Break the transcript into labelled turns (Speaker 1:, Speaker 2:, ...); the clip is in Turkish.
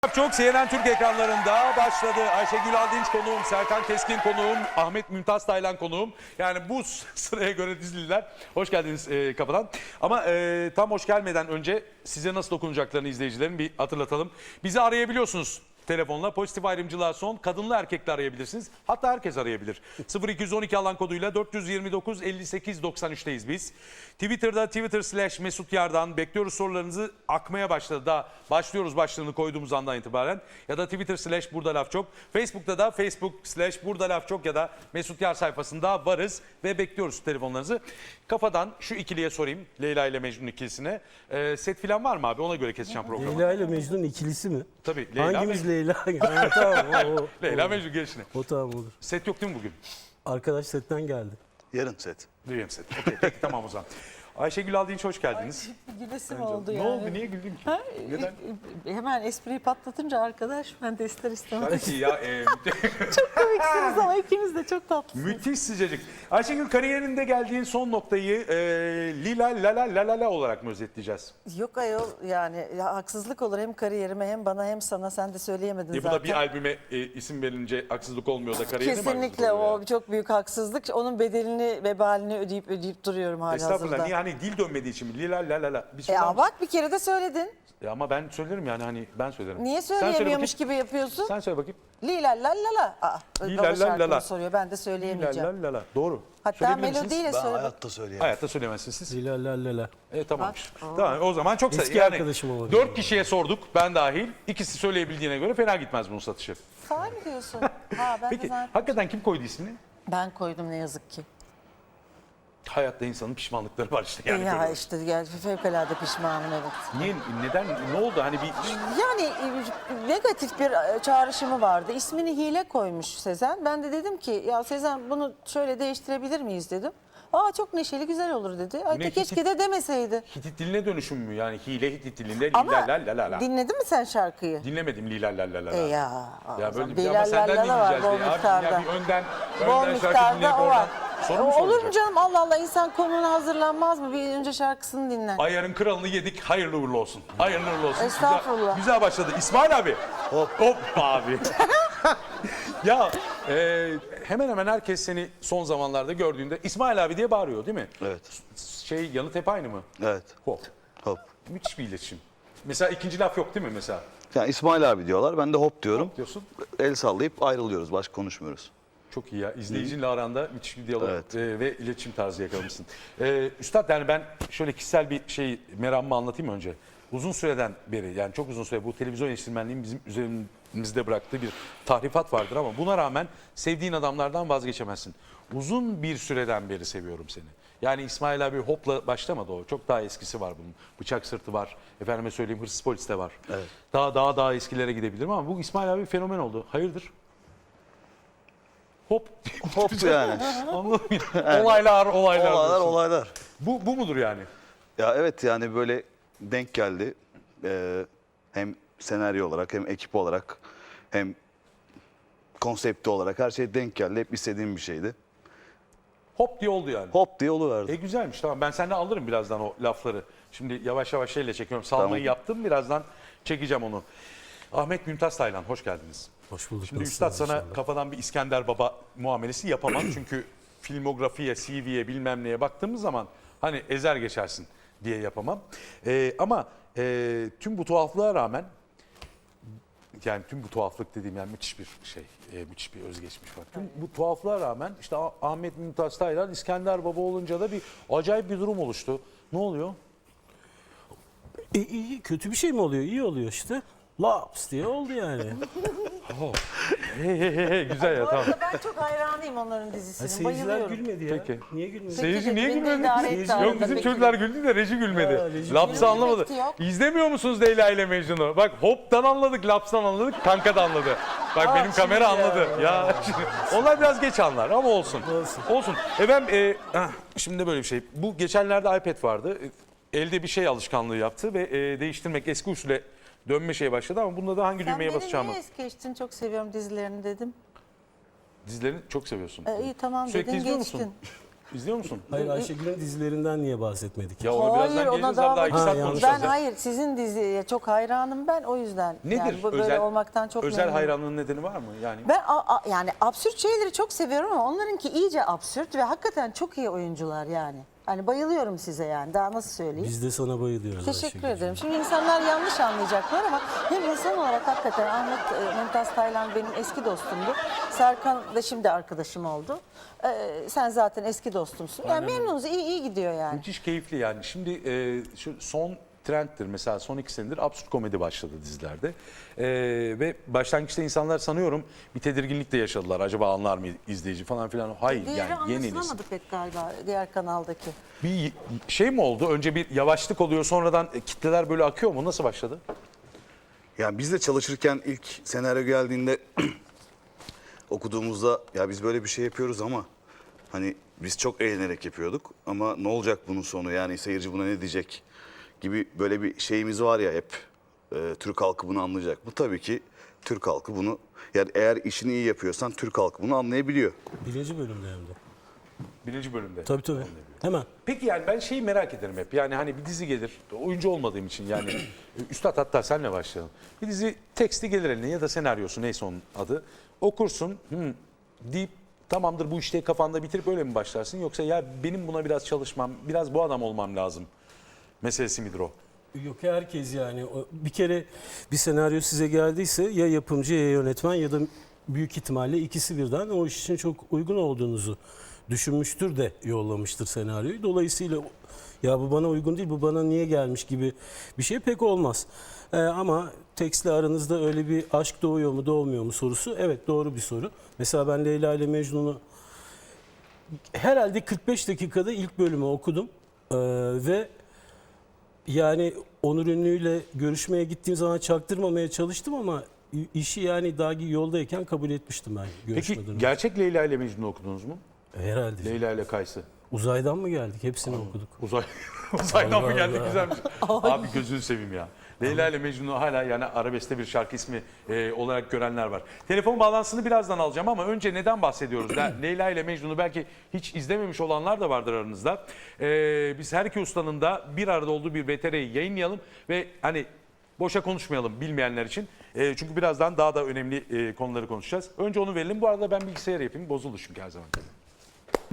Speaker 1: Çok CNN Türk ekranlarında başladı. Ayşegül Aldinç konuğum, Serkan Keskin konuğum, Ahmet Mümtaz Taylan konuğum. Yani bu sıraya göre dizililer. Hoş geldiniz kapıdan. Ama tam hoş gelmeden önce size nasıl dokunacaklarını izleyicilerin bir hatırlatalım. Bizi arayabiliyorsunuz. Telefonla pozitif ayrımcılığa son, kadınlı erkekli arayabilirsiniz. Hatta herkes arayabilir. 0212 alan koduyla 429 58 93'teyiz biz. Twitter'da Twitter/Mesut Yardan bekliyoruz, sorularınızı akmaya başladı. Daha başlıyoruz başlığını koyduğumuz andan itibaren. Ya da Twitter/Burada Laf Çok. Facebook'ta da Facebook/Burada Laf Çok ya da Mesut Yar sayfasında varız ve bekliyoruz telefonlarınızı. Kafadan şu ikiliye sorayım. Leyla ile Mecnun ikilisine. Set falan var mı abi? Ona göre keseceğim programı.
Speaker 2: Leyla ile Mecnun ikilisi mi?
Speaker 1: Tabii. Leyla
Speaker 2: Hangimiz
Speaker 1: Mecnun.
Speaker 2: Leyla? Ha, tamam, o.
Speaker 1: Leyla Mecnun gelişine.
Speaker 2: O tamam olur.
Speaker 1: Set yok değil mi bugün?
Speaker 2: Arkadaş setten geldi.
Speaker 3: Yarın set.
Speaker 1: Duyuyorum set. Okey, peki tamam o zaman. Ayşegül Aldinç hoş geldiniz.
Speaker 4: Gülesim oldu
Speaker 1: Ne
Speaker 4: yani.
Speaker 1: oldu? Niye güldün ki? Neden?
Speaker 4: Hemen espriyi patlatınca arkadaş ben de ister istemez.
Speaker 1: Peki ya
Speaker 4: Çok komiksiniz ama ikiniz de çok tatlısınız.
Speaker 1: müthiş sıcacık. Ayşegül kariyerinde geldiğin son noktayı Lila la la la olarak mı özetleyeceğiz?
Speaker 4: Yok ayol yani ya, haksızlık olur hem kariyerime hem bana hem sana, sen de söyleyemedin
Speaker 1: Bu
Speaker 4: zaten.
Speaker 1: da bir albüme isim verince haksızlık olmuyor da kariyerine mi haksızlık
Speaker 4: Kesinlikle
Speaker 1: oluyor
Speaker 4: o
Speaker 1: yani?
Speaker 4: çok büyük haksızlık. Onun bedelini, vebalini ödeyip duruyorum hala
Speaker 1: Estağfurullah.
Speaker 4: hazırda.
Speaker 1: Niye hani dil dönmediği için mi? Lila la la la. Bir söyler misin?
Speaker 4: Bak bir kere de söyledin.
Speaker 1: Ama ben söylerim yani hani ben söylerim.
Speaker 4: Niye
Speaker 1: Sen söyle
Speaker 4: söyleyemiyormuş
Speaker 1: bakayım.
Speaker 4: gibi yapıyorsun?
Speaker 1: Sen söyle bakayım.
Speaker 4: Lila la la la.
Speaker 1: Lila
Speaker 4: Baba
Speaker 1: la la
Speaker 4: şarkını
Speaker 1: la.
Speaker 4: soruyor, ben de
Speaker 1: Lila
Speaker 4: söyleyemeyeceğim.
Speaker 1: la la la. Doğru.
Speaker 4: Hatta
Speaker 1: Söyleyebilir misiniz?
Speaker 4: melodiyle
Speaker 3: Ben
Speaker 4: söyle.
Speaker 3: hayatta söyleyemem.
Speaker 1: Hayatta söyleyemezsiniz siz.
Speaker 2: Leyla la la la.
Speaker 1: Tamammış. Tamam o zaman çok
Speaker 2: Eski arkadaşım olabilir.
Speaker 1: 4 kişiye sorduk ben dahil. İkisi söyleyebildiğine göre fena gitmez bunun satışı.
Speaker 4: Sahi mi diyorsun? Ha, ben de
Speaker 1: Peki
Speaker 4: zaten...
Speaker 1: hakikaten kim koydu ismini?
Speaker 4: Ben koydum ne yazık ki.
Speaker 1: Hayatta insanın pişmanlıkları var işte. Yani
Speaker 4: Ya
Speaker 1: böyle.
Speaker 4: işte fevkalade pişmanım, evet.
Speaker 1: Niye, neden, ne oldu hani bir...
Speaker 4: Yani negatif bir çağrışımı vardı. İsmini Hile koymuş Sezen. Ben de dedim ki ya Sezen bunu şöyle değiştirebilir miyiz dedim. Aa çok neşeli güzel olur dedi. Ay
Speaker 1: Ne
Speaker 4: de keşke de demeseydi.
Speaker 1: Hitit diline dönüşüm mü yani? Hile Hitit dilinde
Speaker 4: Ama
Speaker 1: lila la la la.
Speaker 4: dinledin mi sen şarkıyı?
Speaker 1: Dinlemedim lila la la la la.
Speaker 4: Ya
Speaker 1: böyle bir
Speaker 4: Lila
Speaker 1: ama senden
Speaker 4: la la var
Speaker 1: dinleyeceğiz
Speaker 4: bol
Speaker 1: diye. Abi,
Speaker 4: miktarda.
Speaker 1: ya bir önden
Speaker 4: Bol
Speaker 1: şarkı
Speaker 4: miktarda
Speaker 1: dinleyip
Speaker 4: o var.
Speaker 1: oradan soru mu
Speaker 4: Olur mu
Speaker 1: sorulacak?
Speaker 4: canım, Allah Allah, insan konuğuna hazırlanmaz mı? Bir önce şarkısını dinler.
Speaker 1: Ayarın kralını yedik. Hayırlı uğurlu olsun. Hayırlı uğurlu olsun.
Speaker 4: Estağfurullah.
Speaker 1: Güzel başladı. İsmail abi. Hop abi. Ya hemen hemen herkes seni son zamanlarda gördüğünde İsmail abi diye bağırıyor değil mi?
Speaker 3: Evet.
Speaker 1: Yanıt hep aynı mı?
Speaker 3: Evet.
Speaker 1: Hop.
Speaker 3: Hop.
Speaker 1: Müthiş bir iletişim. Mesela ikinci laf yok değil mi mesela?
Speaker 3: Yani İsmail abi diyorlar. Ben de hop diyorum.
Speaker 1: Diyorsun.
Speaker 3: El sallayıp ayrılıyoruz. Başka konuşmuyoruz.
Speaker 1: Çok iyi ya. İzleyicinle aranda müthiş bir diyalog
Speaker 3: Evet.
Speaker 1: ve iletişim tarzı yakalamışsın. Üstad yani ben şöyle kişisel bir meramımı anlatayım önce. Uzun süreden beri yani çok uzun süre bu televizyon eleştirmenliğin bizim üzerimizde bıraktığı bir tahrifat vardır ama buna rağmen sevdiğin adamlardan vazgeçemezsin. Uzun bir süreden beri seviyorum seni. Yani İsmail abi hopla başlamadı o. Çok daha eskisi var bunun. Bıçak Sırtı var. Efendime söyleyeyim Hırsız Polis de var.
Speaker 3: Evet.
Speaker 1: Daha eskilere gidebilirim ama bu İsmail abi fenomen oldu. Hayırdır? Hop.
Speaker 3: Hop yani.
Speaker 1: Anladın mı? Olaylar.
Speaker 3: Olaylar.
Speaker 1: Bu mudur yani?
Speaker 3: Ya evet yani böyle denk geldi. Hem senaryo olarak hem ekip olarak hem konsepti olarak her şey denk geldi. Hep istediğim bir şeydi.
Speaker 1: Hop diye oldu yani.
Speaker 3: Hop diye oluverdi.
Speaker 1: Güzelmiş tamam. Ben senden alırım birazdan o lafları. Şimdi yavaş yavaş şeyle çekiyorum. Salmayı
Speaker 3: Tamam.
Speaker 1: yaptım. Birazdan çekeceğim onu. Ahmet Mümtaz Taylan hoş geldiniz.
Speaker 2: Hoş bulduk.
Speaker 1: Şimdi
Speaker 2: nasılsınız
Speaker 1: Üstad sana
Speaker 2: inşallah?
Speaker 1: kafadan bir İskender Baba muamelesi yapamam. Çünkü filmografiye, CV'ye bilmem neye baktığımız zaman hani ezer geçersin diye yapamam. Ama tüm bu tuhaflığa rağmen yani tüm bu tuhaflık dediğim yani müthiş bir müthiş bir özgeçmiş var. Tüm bu tuhaflığa rağmen işte Ahmet Mümtaz Taylan İskender Baba olunca da bir acayip bir durum oluştu. Ne oluyor?
Speaker 2: İyi, kötü bir şey mi oluyor? İyi oluyor işte. Laps diye oldu yani.
Speaker 1: Güzel ya
Speaker 4: Bu
Speaker 1: tamam.
Speaker 4: arada ben çok hayranıyım onların
Speaker 2: Ha,
Speaker 4: dizisine.
Speaker 2: seyirciler
Speaker 4: Bayılıyorum.
Speaker 2: gülmedi ya.
Speaker 1: Peki.
Speaker 2: Niye gülmedi?
Speaker 1: Seyirci niye
Speaker 4: beni de
Speaker 1: gülmedi?
Speaker 4: idare etti
Speaker 2: Seyirci-
Speaker 4: arada
Speaker 1: Yok bizim
Speaker 4: peki.
Speaker 1: çocuklar güldü de reji gülmedi.
Speaker 2: Ha, reji
Speaker 1: Laps'ı
Speaker 4: gülmedi.
Speaker 1: anlamadı.
Speaker 4: Efekti yok.
Speaker 1: İzlemiyor musunuz Leyla ile Mecnun'u? Bak hop'tan anladık, laps'tan anladık, kanka da anladı. Bak benim
Speaker 2: şimdi
Speaker 1: kamera
Speaker 2: ya.
Speaker 1: anladı. Ya onlar biraz geç anlar ama olsun.
Speaker 2: Olsun.
Speaker 1: Olsun. Şimdi böyle bir şey. Bu geçenlerde iPad vardı. Elde bir şey alışkanlığı yaptı ve değiştirmek eski usule dönme şeye başladı ama bunda da hangi
Speaker 4: Sen
Speaker 1: düğmeye
Speaker 4: beni
Speaker 1: basacağımı.
Speaker 4: niye es geçtin? Çok seviyorum dizilerini dedim.
Speaker 1: Dizilerini çok seviyorsun.
Speaker 4: İyi tamam
Speaker 1: Sürekli
Speaker 4: dedin
Speaker 1: izliyor
Speaker 4: geçtin.
Speaker 1: musun? İzliyor musun?
Speaker 2: Hayır, Ayşegül'ün dizilerinden niye bahsetmedik?
Speaker 1: Ya ona birazdan
Speaker 4: ona
Speaker 1: geleceğiz
Speaker 4: daha
Speaker 1: abi. Daha 2
Speaker 2: Ha,
Speaker 1: saat
Speaker 2: yanlış.
Speaker 1: konuşacağız
Speaker 4: Ben
Speaker 1: ya.
Speaker 4: hayır sizin diziye çok hayranım ben o yüzden.
Speaker 1: Nedir?
Speaker 4: Yani bu böyle olmaktan çok
Speaker 1: özel
Speaker 4: memnunum.
Speaker 1: hayranlığın nedeni var mı? Yani
Speaker 4: Ben yani absürt şeyleri çok seviyorum ama onlarınki iyice absürt ve hakikaten çok iyi oyuncular yani. Hani bayılıyorum size yani. Daha nasıl söyleyeyim?
Speaker 2: Biz de sana bayılıyoruz
Speaker 4: Teşekkür
Speaker 2: Ayşegül'cüğüm.
Speaker 4: ederim. Şimdi insanlar yanlış anlayacaklar ama hem insan olarak hakikaten Ahmet Mümtaz Taylan benim eski dostumdu. Serkan da şimdi arkadaşım oldu. Sen zaten eski dostumsun. Yani memnunuz, iyi gidiyor yani.
Speaker 1: müthiş keyifli yani. Şimdi şu son trendtir mesela son 2 senedir absürt komedi başladı dizilerde. Ve başlangıçta insanlar sanıyorum bir tedirginlik de yaşadılar. Acaba anlar mı izleyici falan filan. Hayır
Speaker 4: Diğeri
Speaker 1: yani yeni nesil.
Speaker 4: anlaşılamadı pek galiba diğer kanaldaki.
Speaker 1: Bir şey mi oldu? Önce bir yavaşlık oluyor sonradan kitleler böyle akıyor mu? Nasıl başladı?
Speaker 3: Yani biz de çalışırken ilk senaryo geldiğinde okuduğumuzda ya biz böyle bir şey yapıyoruz ama hani biz çok eğlenerek yapıyorduk ama ne olacak bunun sonu yani seyirci buna ne diyecek gibi böyle bir şeyimiz var ya hep Türk halkı bunu anlayacak. Bu tabii ki Türk halkı bunu yani eğer işini iyi yapıyorsan Türk halkı bunu anlayabiliyor.
Speaker 2: Birinci bölümde hem de.
Speaker 1: 1. bölümde.
Speaker 2: Tabii. Hemen.
Speaker 1: Peki yani ben şeyi merak ederim hep. Yani hani bir dizi gelir. Oyuncu olmadığım için yani. Üstad hatta senle başlayalım. Bir dizi teksti gelir eline ya da senaryosu neyse onun adı. Okursun deyip tamamdır bu işte kafanda bitirip öyle mi başlarsın? Yoksa ya benim buna biraz çalışmam, biraz bu adam olmam lazım meselesi midir o?
Speaker 2: Yok herkes yani. Bir kere bir senaryo size geldiyse ya yapımcı ya yönetmen ya da büyük ihtimalle ikisi birden o iş için çok uygun olduğunuzu düşünmüştür de yollamıştır senaryoyu. Dolayısıyla ya bu bana uygun değil, bu bana niye gelmiş gibi bir şey pek olmaz. Ama tekstle aranızda öyle bir aşk doğuyor mu doğmuyor mu sorusu evet doğru bir soru. Mesela ben Leyla ile Mecnun'u herhalde 45 dakikada ilk bölümü okudum. Ve yani Onur Ünlü'yle görüşmeye gittiğim zaman çaktırmamaya çalıştım ama işi yani daha yoldayken kabul etmiştim ben görüşmeden
Speaker 1: Peki
Speaker 2: önce.
Speaker 1: gerçek Leyla ile Mecnun'u okudunuz mu?
Speaker 2: Herhalde.
Speaker 1: Leyla ile Kaysı.
Speaker 2: Uzaydan mı geldik? Hepsini okuduk.
Speaker 1: Uzaydan mı
Speaker 2: Allah
Speaker 1: geldik
Speaker 2: Allah.
Speaker 1: güzelmiş. Abi gözünü seveyim ya. Leyla ile Mecnun'u hala yani arabeskte bir şarkı ismi olarak görenler var. Telefon bağlantısını birazdan alacağım ama önce neden bahsediyoruz? Leyla ile Mecnun'u belki hiç izlememiş olanlar da vardır aranızda. Biz her iki ustanın da bir arada olduğu bir VTR'yi yayınlayalım ve hani boşa konuşmayalım bilmeyenler için. Çünkü birazdan daha da önemli konuları konuşacağız. Önce onu verelim. Bu arada ben bilgisayar yapayım. Bozuldu çünkü her zaman.